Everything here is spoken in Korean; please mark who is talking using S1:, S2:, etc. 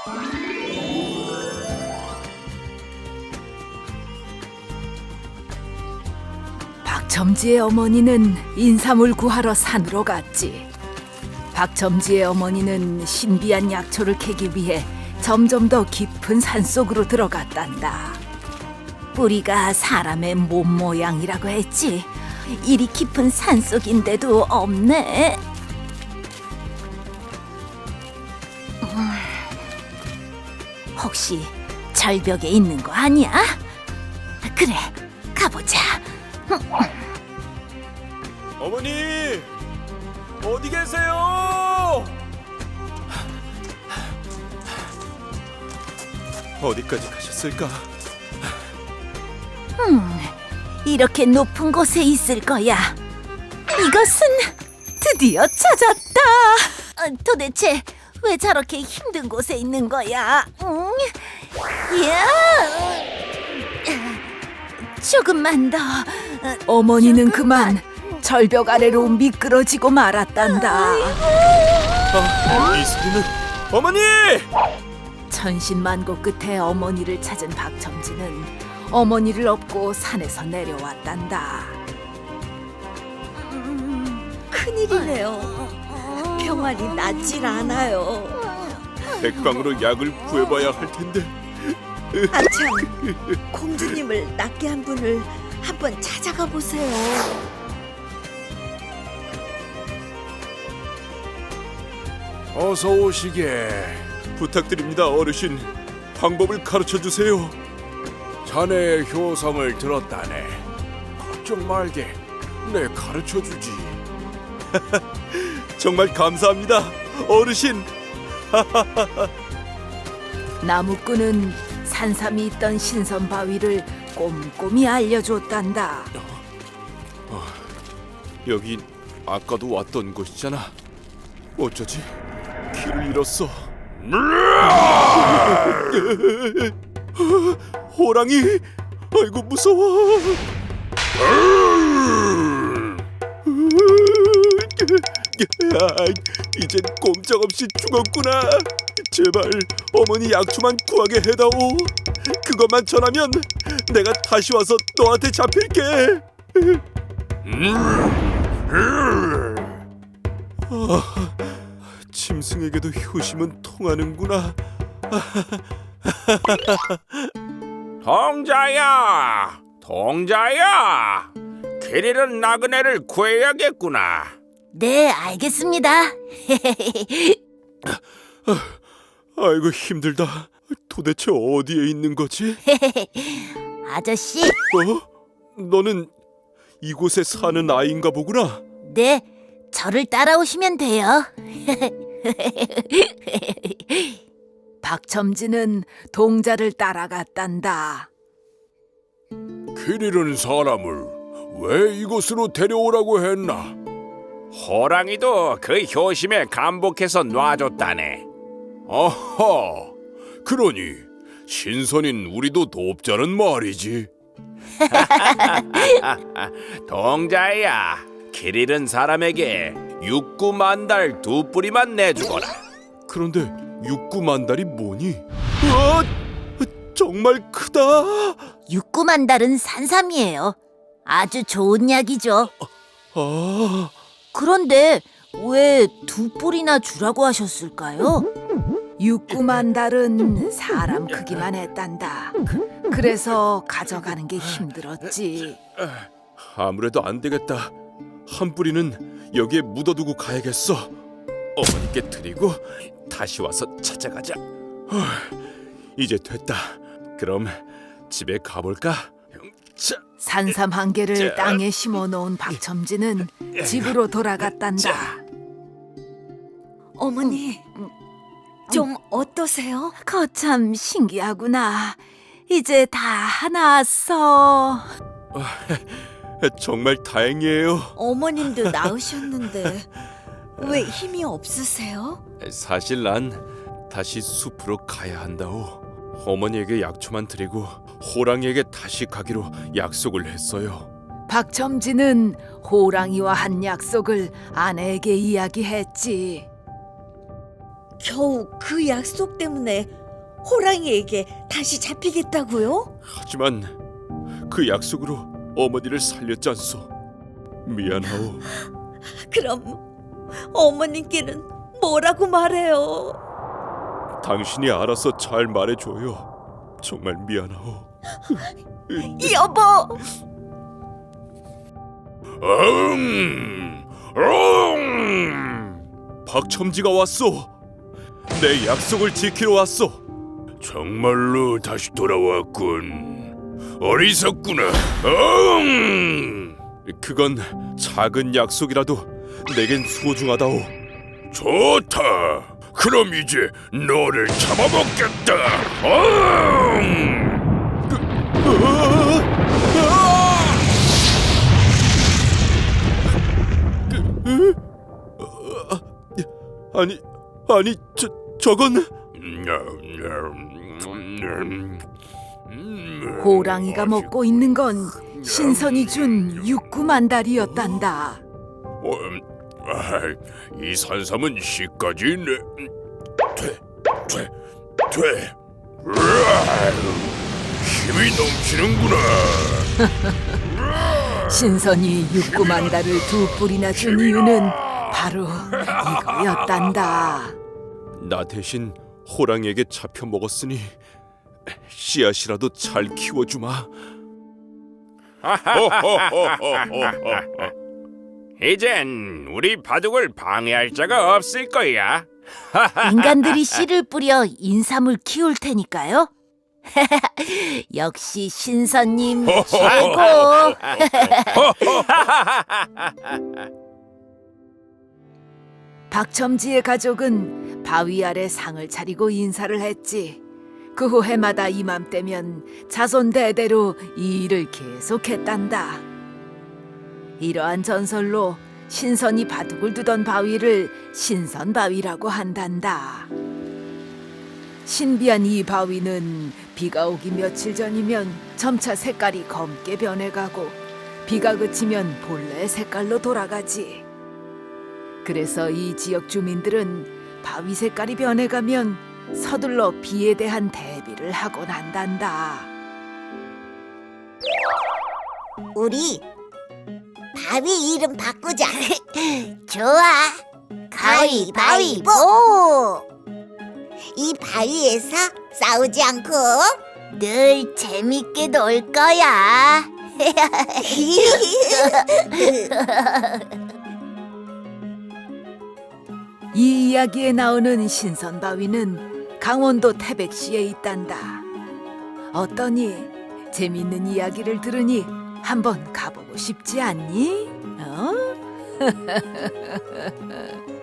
S1: 박첨지의 어머니는 인삼을 구하러 산으로 갔지. 박첨지의 어머니는 신비한 약초를 캐기 위해 점점 더 깊은 산속으로 들어갔단다.
S2: 뿌리가 사람의 몸 모양이라고 했지. 이리 깊은 산속인데도 없네. 혹시 절벽에 있는 거 아니야? 그래, 가보자.
S3: 어머니, 어디 계세요? 어디까지 가셨을까?
S2: 이렇게 높은 곳에 있을 거야. 이것은 드디어 찾았다. 도대체 왜 저렇게 힘든 곳에 있는 거야? 야, 조금만 더.
S1: 어머니는 그만 절벽 아래로 미끄러지고 말았단다.
S3: 이 소리는 어머니!
S1: 천신만고 끝에 어머니를 찾은 박첨지는 어머니를 업고 산에서 내려왔단다.
S4: 큰일이네요. 병환이 낫질 않아요.
S3: 백광으로 약을 구해봐야 할 텐데.
S4: 아참, 공주님을 낫게 한 분을 한번 찾아가 보세요.
S3: 어서 오시게. 부탁드립니다, 어르신. 방법을 가르쳐 주세요.
S5: 자네의 효성을 들었다네. 걱정 말게. 내 가르쳐 주지.
S3: 정말 감사합니다, 어르신.
S1: 나무꾼은 산삼이 있던 신선 바위를 꼼꼼히 알려줬단다.
S3: 여기 아까도 왔던 곳이잖아. 어쩌지? 길을 잃었어. 호랑이! 아이고 무서워. 이젠 꼼짝없이 죽었구나. 제발 어머니 약초만 구하게 해다오. 그것만 전하면 내가 다시 와서 너한테 잡힐게. 짐승에게도 효심은 통하는구나.
S5: 동자야, 동자야. 길 잃은 나그네를 구해야겠구나.
S2: 네, 알겠습니다.
S3: 아이고 힘들다. 도대체 어디에 있는 거지?
S2: 아저씨,
S3: 너는 이곳에 사는 아이인가 보구나.
S2: 네, 저를 따라오시면 돼요.
S1: 박첨지는 동자를 따라갔단다.
S5: 길 잃은 사람을 왜 이곳으로 데려오라고 했나? 호랑이도 그 효심에 감복해서 놔줬다네. 어허, 그러니 신선인 우리도 돕자는 말이지. 동자야, 길 잃은 사람에게 육구만달 2뿌리만 내주거라.
S3: 그런데 육구만달이 뭐니? 정말 크다.
S2: 육구만달은 산삼이에요. 아주 좋은 약이죠.
S3: 아,
S2: 그런데 왜 2뿌리나 주라고 하셨을까요?
S1: 육구만달은 사람 크기만 했단다. 그래서 가져가는 게 힘들었지.
S3: 아무래도 안 되겠다. 한 뿌리는 여기에 묻어두고 가야겠어. 어머니께 드리고 다시 와서 찾아가자. 이제 됐다. 그럼 집에 가볼까? 자,
S1: 산삼 한 개를 땅에 심어놓은 박첨지는 집으로 돌아갔단다.
S4: 어머니, 좀 어떠세요?
S1: 거참 신기하구나. 이제 다 나았어.
S3: 정말 다행이에요.
S4: 어머님도 나으셨는데 왜 힘이 없으세요?
S3: 사실 난 다시 숲으로 가야 한다오. 어머니에게 약초만 드리고 호랑이에게 다시 가기로 약속을 했어요.
S1: 박첨지는 호랑이와 한 약속을 아내에게 이야기했지.
S4: 겨우 그 약속 때문에 호랑이에게 다시 잡히겠다고요?
S3: 하지만 그 약속으로 어머니를 살렸지 않소. 미안하오.
S4: 그럼 어머님께는 뭐라고 말해요?
S3: 당신이 알아서 잘 말해줘요. 정말 미안하오.
S4: 여보!
S3: 박첨지가 왔소. 내 약속을 지키러 왔소.
S5: 정말로 다시 돌아왔군. 어리석구나.
S3: 그건 작은 약속이라도 내겐 소중하다오.
S5: 좋다. 그럼 이제 너를 잡아먹겠다.
S3: 아니 저건
S1: 호랑이가 먹고 있는 건 신선이 준 육구만달이었단다.
S5: 이 산삼은 씨까지 돼. 힘이 넘치는구나.
S1: 신선이 육구만달을 두 뿔이나 준 이유는 바로 이거였단다.
S3: 나 대신 호랑이에게 잡혀 먹었으니 씨앗이라도 잘 키워주마.
S5: 이젠 우리 바둑을 방해할 자가 없을 거야.
S2: 인간들이 씨를 뿌려 인삼을 키울 테니까요. 역시 신선님 최고.
S1: 박첨지의 가족은 바위 아래 상을 차리고 인사를 했지. 그 후 해마다 이맘때면 자손 대대로 이 일을 계속했단다. 이러한 전설로 신선이 바둑을 두던 바위를 신선바위라고 한단다. 신비한 이 바위는 비가 오기 며칠 전이면 점차 색깔이 검게 변해가고 비가 그치면 본래 색깔로 돌아가지. 그래서 이 지역 주민들은 바위 색깔이 변해가면 서둘러 비에 대한 대비를 하곤 한단다.
S6: 우리 바위 이름 바꾸자. 좋아. 가위바위보. 이 바위에서 싸우지 않고
S2: 늘 재밌게 놀 거야.
S1: 이 이야기에 나오는 신선바위는 강원도 태백시에 있단다. 어떠니? 재밌는 이야기를 들으니 한번 가보고 싶지 않니? 어?